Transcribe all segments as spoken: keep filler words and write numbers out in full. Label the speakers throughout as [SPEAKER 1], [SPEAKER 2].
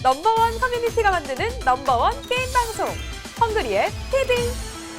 [SPEAKER 1] 넘버원 커뮤니티가 만드는 넘버원 게임 방송 헝그리의 티비.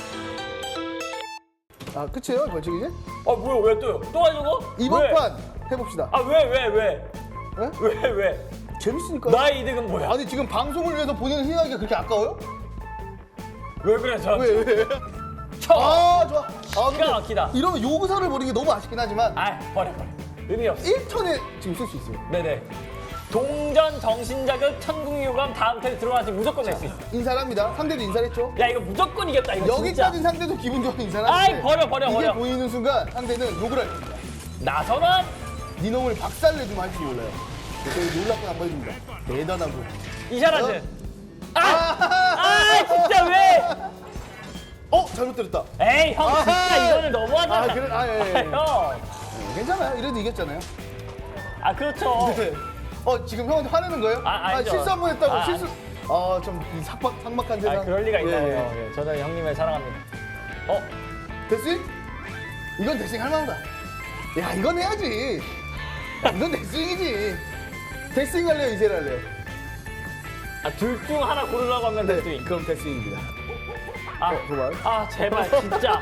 [SPEAKER 2] 아 끝이에요 벌칙 이제?
[SPEAKER 3] 아 뭐야 왜 또요? 또 하려고?
[SPEAKER 2] 이번
[SPEAKER 3] 왜?
[SPEAKER 2] 판 해봅시다.
[SPEAKER 3] 아 왜 왜 왜?
[SPEAKER 2] 네?
[SPEAKER 3] 왜 왜?
[SPEAKER 2] 재밌으니까.
[SPEAKER 3] 나의 이득은 뭐야?
[SPEAKER 2] 아니 지금 방송을 위해서 본인을 희생하기가 그렇게 아까워요?
[SPEAKER 3] 왜 그래 저?
[SPEAKER 2] 왜 왜?
[SPEAKER 3] 쳐!
[SPEAKER 2] 아 좋아. 아
[SPEAKER 3] 기가 막히다.
[SPEAKER 2] 이러면 요구사를 버리는 게 너무 아쉽긴 하지만
[SPEAKER 3] 아 버려 버려. 의미 없어.
[SPEAKER 2] 일 턴에 지금 쓸 수 있어요.
[SPEAKER 3] 네네. 동전 정신자극 천국유감 다음 턴에 들어가서 무조건 낼 수 있어.
[SPEAKER 2] 인사를 합니다. 상대도 인사를 했죠.
[SPEAKER 3] 야 이거 무조건 이겼다 이거
[SPEAKER 2] 여기까지
[SPEAKER 3] 진짜.
[SPEAKER 2] 상대도 기분 좋은 인사를
[SPEAKER 3] 아이,
[SPEAKER 2] 하는데
[SPEAKER 3] 버려, 버려,
[SPEAKER 2] 이게
[SPEAKER 3] 버려.
[SPEAKER 2] 보이는 순간 상대는 욕을 할 겁니다.
[SPEAKER 3] 나선원
[SPEAKER 2] 네 놈을 박살내주면 할지 몰라요. 그래서 놀랍게 한번 해줍니다. 대단하고.
[SPEAKER 3] 이샤라즈. 아!
[SPEAKER 2] 아!
[SPEAKER 3] 아 진짜 왜?
[SPEAKER 2] 어 잘못 때렸다.
[SPEAKER 3] 에이 형 진짜
[SPEAKER 2] 아하.
[SPEAKER 3] 이거는 너무하잖아.
[SPEAKER 2] 아, 그래? 아, 예, 예.
[SPEAKER 3] 형.
[SPEAKER 2] 네, 괜찮아요. 이래도 이겼잖아요.
[SPEAKER 3] 아 그렇죠.
[SPEAKER 2] 네. 어 지금 형한테 화내는 거예요?
[SPEAKER 3] 아, 아니죠.
[SPEAKER 2] 실수 한 번 했다고
[SPEAKER 3] 아,
[SPEAKER 2] 실수. 아좀 삭박 삭막한 세상.
[SPEAKER 3] 아 그럴 리가 있나요?
[SPEAKER 2] 예,
[SPEAKER 3] 예, 저는 형님을 사랑합니다. 어?
[SPEAKER 2] 예. 데스윙? 이건 데스윙 할 만하다. 야 이건 해야지. 이건 데스윙이지. 데스윙 할래요? 이제를 할래요?
[SPEAKER 3] 아 둘 중 하나 고르라고 하면
[SPEAKER 2] 네.
[SPEAKER 3] 데스윙.
[SPEAKER 2] 그럼 데스윙입니다.
[SPEAKER 3] 아,
[SPEAKER 2] 어, 그만.
[SPEAKER 3] 아 제발 진짜.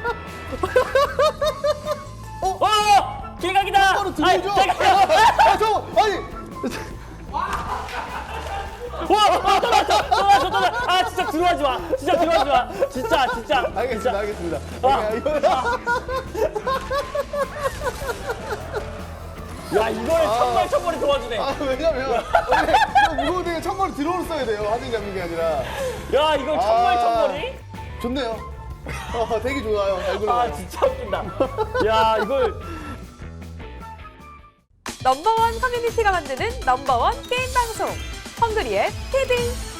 [SPEAKER 2] 어?
[SPEAKER 3] 어! 길각이다.
[SPEAKER 2] 바로
[SPEAKER 3] 아이,
[SPEAKER 2] 들어오죠.
[SPEAKER 3] 잠깐만.
[SPEAKER 2] 아 저 아니.
[SPEAKER 3] 와! 아, 또 났어! 또 났어! 또 났어! 아 진짜 들어가지 마! 진짜 들어가지 마! 진짜 진짜!
[SPEAKER 2] 알겠습니다.
[SPEAKER 3] 진짜.
[SPEAKER 2] 알겠습니다.
[SPEAKER 3] 아.
[SPEAKER 2] 야, 이거
[SPEAKER 3] 야 이거를 천발 천발이 도와주네.
[SPEAKER 2] 아 왜냐면 원래 이거 무거운 데에 천벌을 들어오를 써야 돼요. 하진 잡는 게 아니라.
[SPEAKER 3] 야 이걸 천발
[SPEAKER 2] 아.
[SPEAKER 3] 천발이?
[SPEAKER 2] 좋네요. 어, 되게 좋아요. 잘 굴러가요.
[SPEAKER 3] 아 진짜 웃긴다. 야 이걸
[SPEAKER 1] 넘버원 커뮤니티가 만드는 넘버원 게임 방송 헝그리의 티비.